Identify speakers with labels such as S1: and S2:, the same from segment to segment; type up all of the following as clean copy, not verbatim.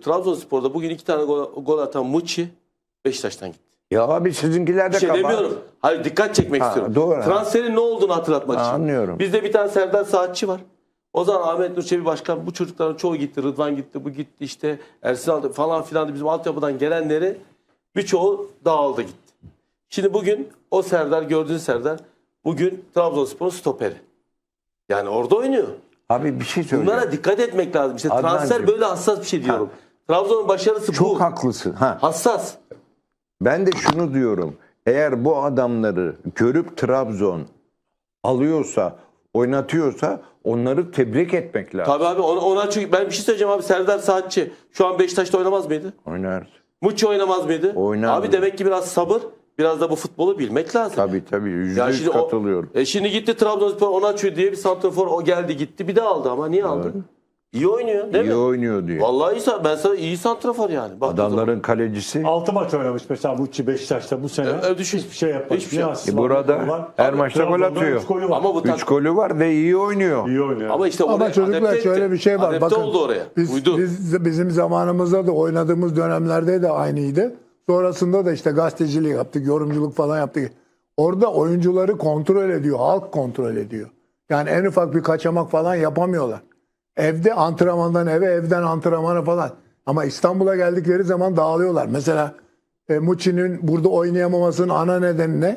S1: Trabzonspor'da bugün 2 tane gol atan Muçi Beşiktaş'tan gitti.
S2: Ya abi sizinkiler de
S1: Bir şey
S2: kabahat.
S1: demiyorum. Hayır, dikkat çekmek istiyorum.
S2: Doğru.
S1: Transferin ne olduğunu hatırlatmak için.
S2: Anlıyorum.
S1: Bizde bir tane Serdar Saatçi var. O zaman Ahmet Nur Çebi Başkan bu çocukların çoğu gitti. Rıdvan gitti, bu gitti işte. Ersin aldı falan filan, bizim altyapıdan gelenleri birçoğu dağıldı gitti. Şimdi bugün o Serdar, gördüğün Serdar bugün Trabzonspor'un stoperi. Yani orada oynuyor.
S2: Abi bir şey söyleyeceğim.
S1: Bunlara dikkat etmek lazım. İşte transfer
S2: Adnancığım.
S1: böyle hassas bir şey diyorum. Trabzon'un başarısı bu.
S2: Çok haklısın. Ha.
S1: Hassas.
S2: Ben de şunu diyorum. Eğer bu adamları görüp Trabzon alıyorsa, oynatıyorsa onları tebrik etmek lazım.
S1: Tabii abi ona çünkü ben bir şey söyleyeceğim abi. Serdar Saatçi şu an Beşiktaş'ta oynamaz mıydı?
S2: Oynar.
S1: Muçi oynamaz mıydı?
S2: Oynar.
S1: Abi demek ki biraz sabır, biraz da bu futbolu bilmek lazım.
S2: Tabii
S1: Ya
S2: %100 katılıyorum.
S1: Şimdi gitti Trabzonspor Onaçu diye bir santrafor, o geldi gitti bir de aldı ama niye aldı? İyi oynuyor değil
S2: İyi
S1: mi?
S2: oynuyor diyor.
S1: Vallahi ben sana iyi santrafor yani. Baktığın
S2: Adamların kalecisi.
S3: 6 maç oynamış mesela Muçi Beşiktaş'ta bu sene.
S1: düşün.
S3: Hiçbir şey yapmadı.
S1: Hiçbir şey.
S2: Burada her maçta gol atıyor.
S3: 3 golü var.
S1: Ama bu
S2: 3 golü var ve iyi oynuyor.
S3: İyi oynuyor.
S1: Ama işte
S4: Ama
S1: oraya
S4: çocuklar
S1: adapte
S4: şöyle
S1: etti.
S4: bir şey var.
S1: Adapte
S4: Bakın,
S1: oldu oraya. Uydu.
S4: bizim zamanımızda da oynadığımız dönemlerde de aynıydı. Sonrasında da işte gazetecilik yaptık, yorumculuk falan yaptık. Orada oyuncuları kontrol ediyor, halk kontrol ediyor. Yani en ufak bir kaçamak falan yapamıyorlar. Evde antrenmandan eve, evden antrenmana falan. Ama İstanbul'a geldikleri zaman dağılıyorlar. Mesela Muçi'nin burada oynayamamasının ana nedeni ne?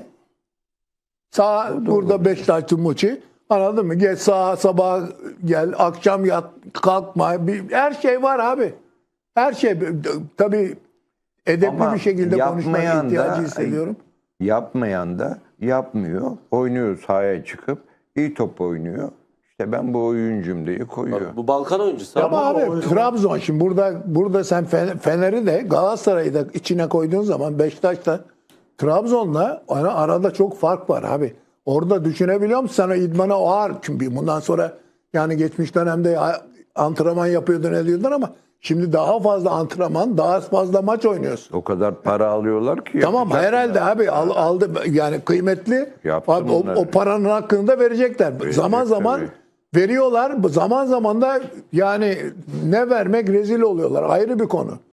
S4: Burada Beşiktaşlı Muçi. Anladın mı? Geç sabah gel, akşam yat, kalkma. Her şey var abi. Her şey. Tabii edepli
S2: Ama
S4: bir şekilde konuşmaya
S2: yapmayan da-
S4: ihtiyacı hissediyorum.
S2: Yapmayan da yapmıyor. Oynuyor sahaya çıkıp iyi top oynuyor. İşte ben bu oyuncum diye koyuyor.
S1: Bu Balkan oyuncusu.
S4: Ama
S3: Ama
S4: abi
S3: o-
S4: Trabzon şimdi burada sen Fener'i de Galatasaray'ı da içine koyduğun zaman Beşiktaş'ta Trabzon'la arada çok fark var abi. Orada düşünebiliyor musun? Sana idmana ağır. Çünkü bundan sonra yani geçmiş dönemde antrenman yapıyordun ediyordun ama şimdi daha fazla antrenman, daha fazla maç oynuyorsun.
S2: O kadar para alıyorlar ki.
S4: Tamam
S2: yapacak
S4: herhalde
S2: ya.
S4: abi aldı yani kıymetli.
S2: Yaptım
S4: Abi,
S2: onları.
S4: o paranın hakkını da verecekler. Zaman zaman
S2: tabii.
S4: veriyorlar. Zaman zaman da yani ne vermek rezil oluyorlar. Ayrı bir konu.